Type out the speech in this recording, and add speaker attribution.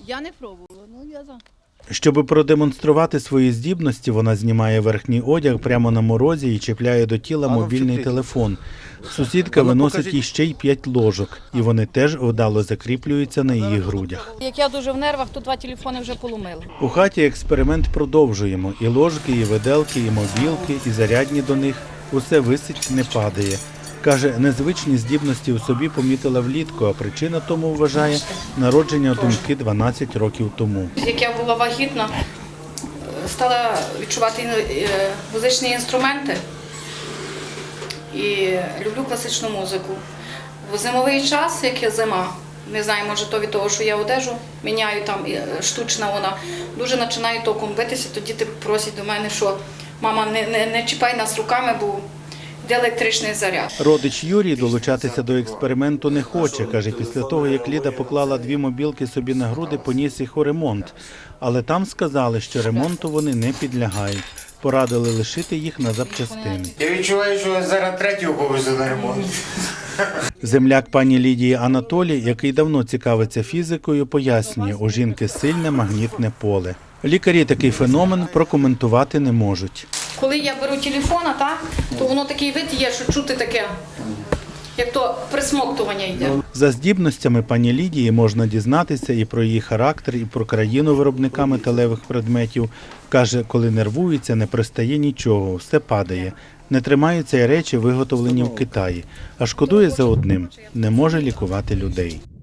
Speaker 1: Я не пробувала, я за.
Speaker 2: Щоб продемонструвати свої здібності, вона знімає верхній одяг прямо на морозі і чіпляє до тіла мобільний телефон. Сусідка виносить їй ще й 5 ложок, і вони теж вдало закріплюються на її грудях.
Speaker 1: Як я дуже в нервах, то 2 телефони вже поломила.
Speaker 2: У хаті експеримент продовжуємо. І ложки, і виделки, і мобілки, і зарядні до них. Усе висить, не падає. Каже, незвичні здібності у собі помітила влітку, а причина тому, вважає, народження доньки 12 років тому.
Speaker 3: Як я була вагітна, стала відчувати музичні інструменти і люблю класичну музику. В зимовий час, як є зима, не знаю, може то від того, що я одежу міняю, там штучна вона, дуже починаю током битися, то діти просять до мене, що мама, не чіпай нас руками, бо йде електричний заряд.
Speaker 2: Родич Юрій долучатися до експерименту не хоче. Каже, після того, як Ліда поклала 2 мобілки собі на груди, поніс їх у ремонт. Але там сказали, що ремонту вони не підлягають. Порадили лишити їх на запчастини.
Speaker 4: Я відчуваю, що зараз третю повезу на ремонт.
Speaker 2: Земляк пані Лідії Анатолій, який давно цікавиться фізикою, пояснює, у жінки сильне магнітне поле. Лікарі такий феномен прокоментувати не можуть.
Speaker 3: Коли я беру телефона, то воно такий вид є, що чути таке, як то присмоктування йде.
Speaker 2: За здібностями пані Лідії можна дізнатися і про її характер, і про країну виробника металевих предметів. Каже, коли нервується, не пристає нічого, все падає. Не тримаються й речі, виготовлені в Китаї. А шкодує за одним – не може лікувати людей.